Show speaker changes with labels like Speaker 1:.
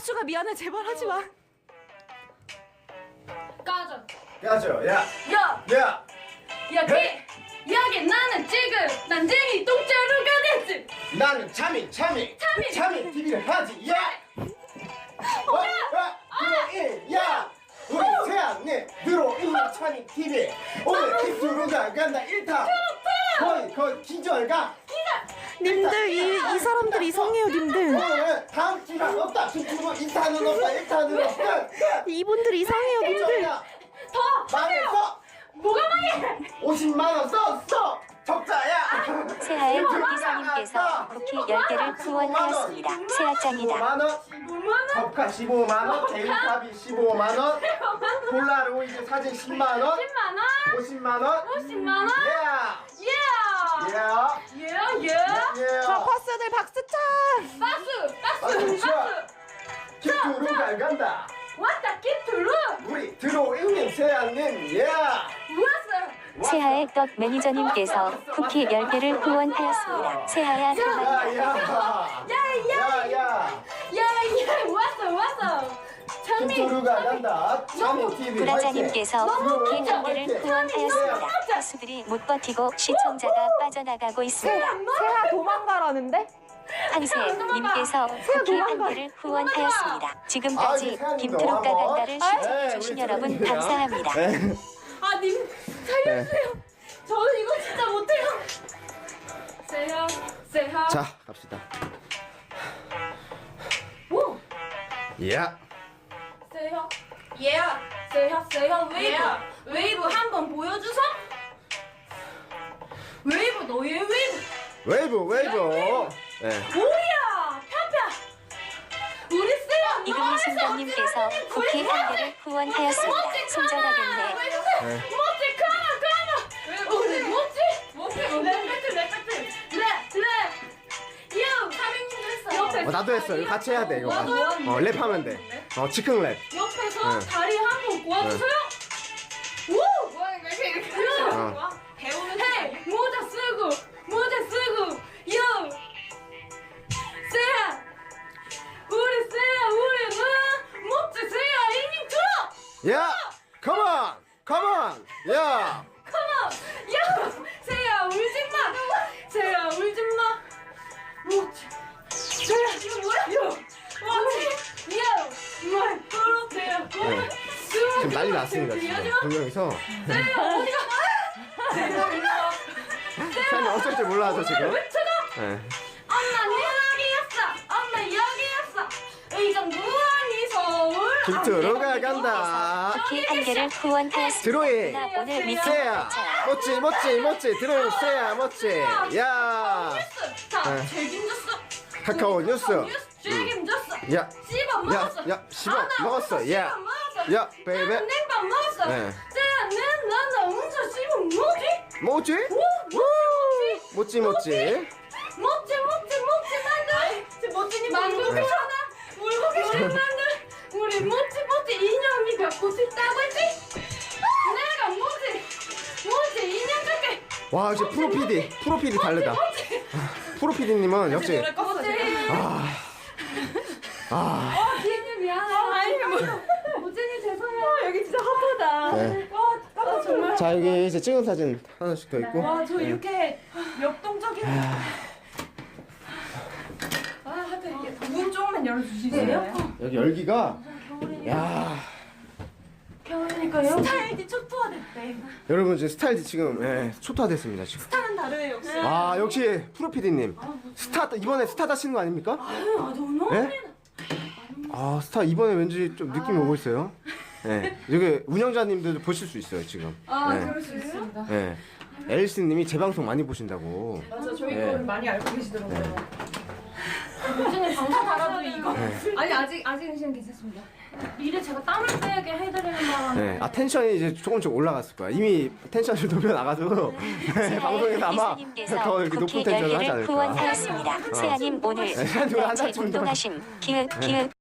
Speaker 1: 빡수가 미안해. 제발 하지 마.
Speaker 2: 까죠. 야.
Speaker 3: 여기 나는 지금 난쟁이 똥자루가 됐지.
Speaker 2: 나는 참이 TV를 하지. 야. 야. 우리 세안님 들어있는 참이 TV. 오늘 킥투루가 간다 1타. 거의 기절가.
Speaker 1: 님들 이 사람들 이상해요, 님들.
Speaker 2: 오늘 다음 주가 없다. 킥투루 2타는 없다. 1타는 없다.
Speaker 1: 이분들 이상해요, 님들.
Speaker 3: 더
Speaker 2: 망했어.
Speaker 3: 뭐가 망해?
Speaker 2: 50만 원 썼어. 적자야.
Speaker 4: 세아의 이사님께서 쿠키 10개를 후원하였습니다. 세아짱이다.
Speaker 2: 15만 원.
Speaker 3: 15만 원?
Speaker 2: 법카 15만 원. 개인카비 15만 원. 폴라로이드 사진 10만 원.
Speaker 3: 10만 원?
Speaker 2: 50만 원.
Speaker 3: 50만 원?
Speaker 2: 예.
Speaker 3: 예.
Speaker 1: 파스들 박수차.
Speaker 3: 박수.
Speaker 2: 킥투루가 간다.
Speaker 3: 왔다 키트루.
Speaker 2: 우리 들어있는 세안님. 예.
Speaker 3: 왔어.
Speaker 4: 세아의 떡 매니저님께서 쿠키 10개를 후원하였습니다. 세아야 사랑한다.
Speaker 2: 야야.
Speaker 3: 왔어. 찬미.
Speaker 2: 킥투루가 간다. 참이 TV.
Speaker 4: 구라자님께서 쿠키
Speaker 2: 화이팅!
Speaker 4: 1개를 후원하였습니다. 가수들이 못 버티고 시청자가 빠져나가고 있습니다.
Speaker 1: 세아 도망가라는데?
Speaker 4: 황세님께서 쿠키 1개를 후원하였습니다. 지금까지 김트롯가 간다를 시청해주신 여러분 감사합니다.
Speaker 3: 아, 님 살려주세요. 저는 이거 진짜 못해요. 세하.
Speaker 2: 자 갑시다.
Speaker 3: 오.
Speaker 2: 야.
Speaker 3: 세하 웨이브 한번 보여주소. 웨이브 너의 웨이브.
Speaker 2: 웨이브. 네.
Speaker 3: 뭐야 펴펴. 우리 세하
Speaker 4: 이금희 순덕님께서 쿠키 1개를 후원하였습니다. 손절하겠네.
Speaker 3: 멋지 가마 우리 멋지 랩 요, 사장님도 했어.
Speaker 2: 나도 했어. 이거 같이 해야 돼. 이거. 랩하면 돼. 즉흥 랩.
Speaker 3: 옆에서
Speaker 2: 네.
Speaker 3: 다리 한번 꼬아주세요. 오! 요! 배우는 헤이! 모자 쓰고! 요! 세야! 우리는 멋지 세야 이닝 들어!
Speaker 2: 야. 컴온. 야.
Speaker 3: 컴온! 야! 세야 울지마! 멋지! 세야 이거 뭐야? 멋지! 요! 세야
Speaker 2: 지금 난리 났습니다. 지금 두 명이서.
Speaker 3: 세야 어디가?
Speaker 2: 세안이 어쩔 줄 몰라서 지금.
Speaker 3: 외쳐줘!
Speaker 2: 네.
Speaker 3: 엄마 여기였어. 의정부 아니 서울.
Speaker 2: 킥투루가 간다.
Speaker 4: 쿠키 1개를 후원하였습니다.
Speaker 2: 드로이.
Speaker 4: 나 오늘 미팅
Speaker 2: 세야. 멋지. 드로이 세야 멋지. 야.
Speaker 3: 자
Speaker 2: 네.
Speaker 3: 책임졌어.
Speaker 2: 카카오 뉴스.
Speaker 3: 책임졌어.
Speaker 2: 야.
Speaker 3: 씹어 먹었어.
Speaker 2: 야, 씹어 먹었어. 야. 야, 베이베.
Speaker 3: 냉밥 먹었어.
Speaker 2: 네.
Speaker 3: 세야 나 혼자 씹어 뭐지?
Speaker 2: 멋지.
Speaker 3: 멋지 만두. 멋지니 만두 괜찮아? 울고 계신 만두. 우리 멋지 인형이 갖고 싶다고 했지? 내가 멋지 인형 줄게.
Speaker 2: 와, 이제 프로PD 다르다. 프로PD님은 역시.
Speaker 3: 비행님 미안해. 아니 멋지니 죄송해요. 여기 진짜 핫하다.
Speaker 2: 네.
Speaker 3: 정말.
Speaker 2: 자, 여기 이제 찍은 사진 하나씩 더 있고.
Speaker 3: 와 저 이렇게 역동적인. 하여튼 이게 문 조금만 열어주시세요.
Speaker 2: 여기 열기가. 야.
Speaker 3: 겨울이니까요. 스타일이 초토화됐대.
Speaker 2: 여러분 지금 스타일이 지금 초토화됐습니다 지금.
Speaker 3: 스타는 다르네요.
Speaker 2: 아, 역시 프로PD님. 이번에 스타 다시는 거 아닙니까?
Speaker 3: 너무.
Speaker 2: 네? 아, 스타 이번에 왠지 좀 느낌이 오고 있어요. 네. 여기 운영자님들도 보실 수 있어요 지금. 네.
Speaker 3: 그럴 수 있습니다.
Speaker 2: 네. 앨리스님이 제 방송 많이 보신다고.
Speaker 3: 맞아 저희
Speaker 2: 네.
Speaker 3: 거를 많이 알고 계시더라고요.
Speaker 2: 네.
Speaker 3: 요즘에 방송 달아도 이거.
Speaker 2: 네.
Speaker 3: 아니 아직은 시간 괜찮습니다. 미래 제가 땀을 빼게 해드리는 바람에.
Speaker 2: 네. 텐션이 이제 조금씩 올라갔을 거야. 이미 텐션을 높여나가지고 방송에서 아마 더 이렇게 높은
Speaker 4: 쿠키
Speaker 2: 텐션을 하지
Speaker 4: 10개를
Speaker 2: 않을까.
Speaker 4: 후원하였습니다. 세아님 오늘
Speaker 2: 세아님 오늘 한
Speaker 4: 단체
Speaker 2: 달쯤
Speaker 4: 운동하심 기획